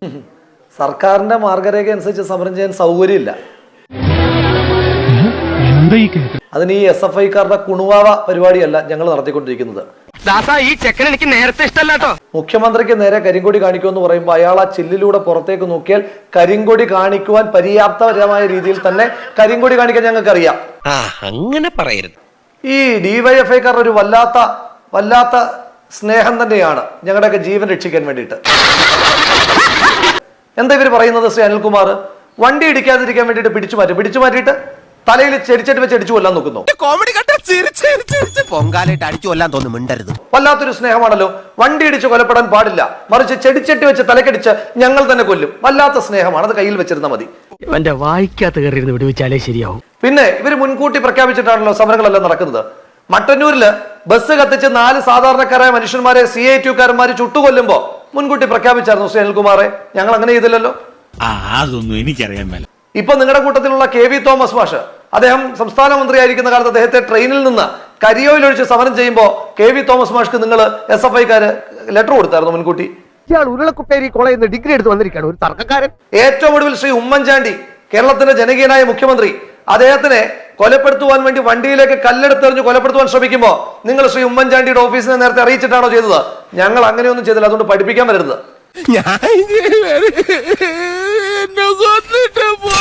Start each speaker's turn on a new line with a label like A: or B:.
A: സർക്കാരിന്റെ മാർഗരേഖ അനുസരിച്ച് സമരം ചെയ്യാൻ സൗകര്യമില്ല. അതിന് ഈ SFIക്കാരുടെ കുണുവാവ പരിപാടിയല്ല ഞങ്ങൾ നടത്തിക്കൊണ്ടിരിക്കുന്നത്.
B: ഈ ചെക്കൻ എനിക്ക് നേരത്തെ ഇഷ്ടമല്ലാട്ടോ.
A: മുഖ്യമന്ത്രിക്ക് നേരെ കരിങ്കൊടി കാണിക്കുമെന്ന് പറയുമ്പോൾ അയാൾ ആ ചില്ലിലൂടെ പുറത്തേക്ക് നോക്കിയാൽ കരിങ്കൊടി കാണിക്കുവാൻ പര്യാപ്തപരമായ രീതിയിൽ തന്നെ കരിങ്കൊടി കാണിക്കാൻ ഞങ്ങൾക്കറിയാം.
B: അങ്ങനെ പറയരുത്.
A: ഈ DYFIക്കാരുടെ ഒരു വല്ലാത്ത സ്നേഹം തന്നെയാണ് ഞങ്ങളുടെയൊക്കെ ജീവൻ രക്ഷിക്കാൻ വേണ്ടിയിട്ട്. എന്താ ഇവർ പറയുന്നത്? ശ്രീ അനിൽകുമാർ വണ്ടി ഇടിക്കാതിരിക്കാൻ വേണ്ടിയിട്ട് പിടിച്ചു മാറ്റിയിട്ട് തലയിൽ ചെടിച്ചട്ടി വെച്ച് അടിച്ചു കൊല്ലാൻ നോക്കുന്നു. വല്ലാത്തൊരു സ്നേഹമാണല്ലോ. വണ്ടി ഇടിച്ച് കൊലപ്പെടാൻ പാടില്ല, മറിച്ച് ചെടിച്ചട്ടി വെച്ച് തലക്കടിച്ച് ഞങ്ങൾ തന്നെ കൊല്ലും. വല്ലാത്ത സ്നേഹമാണ്. അത് കയ്യിൽ വെച്ചിരുന്നാൽ മതി.
C: എന്റെ വായിക്കാത്ത കയറിയിരുന്ന് വിടുവിച്ചാലേ ശരിയാവും.
A: പിന്നെ ഇവർ മുൻകൂട്ടി പ്രഖ്യാപിച്ചിട്ടാണല്ലോ സമരങ്ങളെല്ലാം നടക്കുന്നത്. മട്ടന്നൂരില് ബസ് കത്തിച്ച് 4 സാധാരണക്കാരായ മനുഷ്യന്മാരെ CITUക്കാരന്മാര് ചുട്ടുകൊല്ലുമ്പോ മുൻകൂട്ടി പ്രഖ്യാപിച്ചായിരുന്നു ശ്രീ അനിൽകുമാറെ. ഞങ്ങൾ അങ്ങനെ ചെയ്തില്ലല്ലോ.
D: അതൊന്നും എനിക്കറിയാൻ മേല.
A: ഇപ്പൊ നിങ്ങളുടെ കൂട്ടത്തിലുള്ള KV തോമസ് മാഷ്, അദ്ദേഹം സംസ്ഥാന മന്ത്രിയായിരിക്കുന്ന കാലത്ത് അദ്ദേഹത്തെ ട്രെയിനിൽ നിന്ന് കരിയോയിൽ ഒഴിച്ച് സമരം ചെയ്യുമ്പോൾ KV തോമസ് മാഷ്ക്ക് നിങ്ങൾ SFIക്കാര് ലെറ്റർ കൊടുത്തായിരുന്നു മുൻകൂട്ടി.
C: ഉരുളക്കുപ്പേരി കോളേജിൽ നിന്ന് ഡിഗ്രി എടുത്ത് വന്നിരിക്കുകയാണ് ഒരു തർക്കക്കാരൻ.
A: ഏറ്റവും ഒടുവിൽ ശ്രീ ഉമ്മൻചാണ്ടി, കേരളത്തിന്റെ ജനകീയനായ മുഖ്യമന്ത്രി, അദ്ദേഹത്തിനെ കൊലപ്പെടുത്തുവാൻ വേണ്ടി വണ്ടിയിലേക്ക് കല്ലെടുത്തെറിഞ്ഞ് കൊലപ്പെടുത്തുവാൻ ശ്രമിക്കുമ്പോൾ നിങ്ങൾ ശ്രീ ഉമ്മൻചാണ്ടിയുടെ ഓഫീസിനെ നേരത്തെ അറിയിച്ചിട്ടാണോ ചെയ്തത്? ഞങ്ങൾ അങ്ങനെയൊന്നും ചെയ്തില്ല. അതുകൊണ്ട് പഠിപ്പിക്കാൻ വരരുത്.